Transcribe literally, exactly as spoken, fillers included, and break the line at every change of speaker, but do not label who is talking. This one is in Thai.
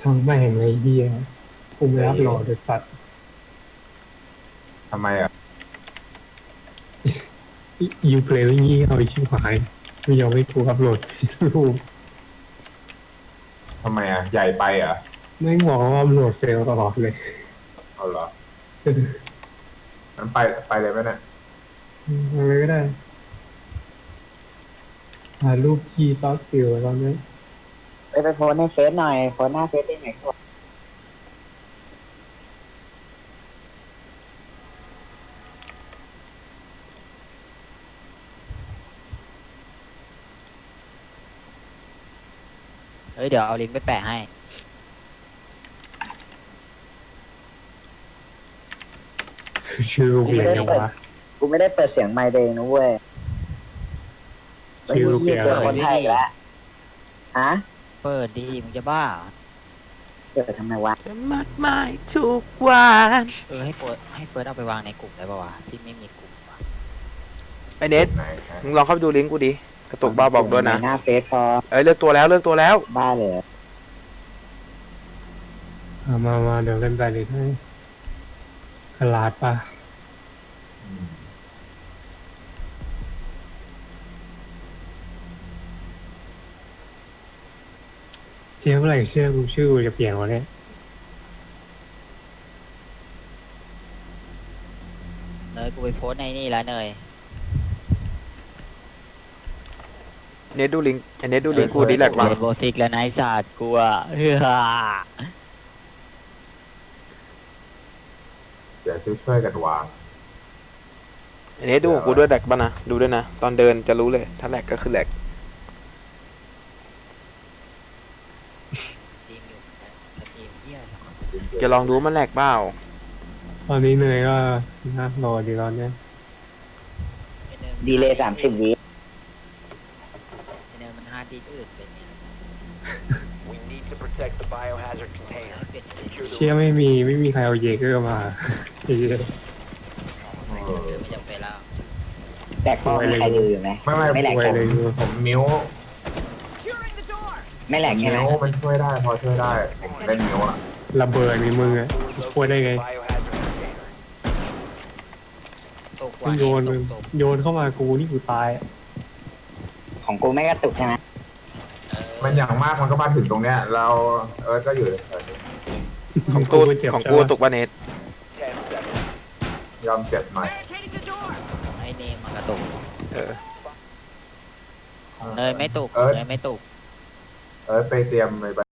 ช่างแม่งเลยเฮียกูไม่รับรอเดสัตว์
ทำไมอ่ะ
ยูเพลย์งี้เอาชิบหายไม่ยอมให้กูอัพโหลดรูป
ทำไมอ่ะใหญ่ไปอ่ะ
ไม่งบอกว่าอัพโหลดเฟลตลอดเลย
เอาเหรอนั้นไปไปเลยไหมเนี่ย
อะไรก็ได้หารูปคีย์ซอสฟิลตอนนี้
ไปไปโพสในเฟซหน่อยโพสหน้าเฟซได้ไหมครับ
เฮ้ยเดี๋ยวเอาลิงก์ไปแปะให้
ชื่อกูเปลี่ยนยังวะ
กูไม่ได้เปิดเสียงไมค์เองนะเว้ย
ชื่อกูเปลี่ยน
เจอ
แล้
คนไทยอีกแล้วฮะ
เปิดดีมึงจะบ้าเหรอ
เปิดทำไมวะ
จะมากมายทุกวัน
เออให้เปิดให้เปิดเอาไปวางในกลุ่มได้ป่าวะที่ไม่มีกลุ่มวะ
ไอเน็ต
ไหนฮะ
มึงลองเข้าไปดูลิงก์กูดิกระตุกบ้าบอกด้วยนะ
หน้าเฟซพอ
เอ้ยเลือกตัวแล้วเลือกตัวแล้ว
บ้าเลย
เอามามาเดี๋ยวกันไปเลยให้กระลาดปะ
อืม
เชื่อเมื่อไหร่เชื่อกูชื่อกูจะเปลี่ยนวะเนี่ย
เนยกูไปโพสต์ในนี่แล้วเนย
เน็ตดูลิงก์ไอเน็ตดูลิงก์กูดิแหลก
มา
มา
โบสิกแล้วนายศาสตร์กูอ่ะเฮ้ย
เดี๋ยวช่วยๆกันวาง
ไอเน็ตดูของกูด้วยแหลกป่ะนะดูด้วยนะตอนเดินจะรู้เลยถ้าแหลกก็คือแหลก
ทีมอยู่สตรีมเหี้ยสัก
จะลองดูมันแหลกเปล่า
ตอนนี้เนยก็น่ารอดีตอนเนี้ย
ไอ้เนยมัน
ดีเลยสามสิบวิ
ไอ้เนยมันฮาร์ดดิสก์อื่นเป็นเนี่ย
We need to protect the biohazard container.
เปลี่ยนเป็น
Secure
เชื่อ
the
ไม่มีไม่มีใครเอาเยเกอร์มาไอ้เหี้ย
เออ
ไม่จำเป็นแล้ว
แต่ก็มีใครดูอยู่ไหม
ไม่ไม่
ไม่แหลก
ไว
ผม
เลยกู
ผมมิ้ว
ไม่แหลกใช่ไหม
มิ้วมันช่วยได้พอช่วยได้ผมเล่นมิ้วอ่ะ
ระเบิดในมึงอะช่วยได้ไง
biohazard container.
ตกว่า
โยน
ต
มึง
กตก
โยนเข้ามากูนี่กูตายอะ
ของกูไม่กระตุกใช่ไหม
เออ
มันอย่างมากมันก็มาถึงตรงเนี้ย เราเออก็อยู่แถวนี้
ของกู
ไม่เจ็บ
ของ
ใช่
กู
ปะ
ตกป่ะเน็ต
Ten seconds.
ยอมเจ็บหน่อย
ไอ้เนมมันกระตุก
เออ
เนยไม่ตุก
เออ
เนยไม่ตุก
เออไปเตรียมไป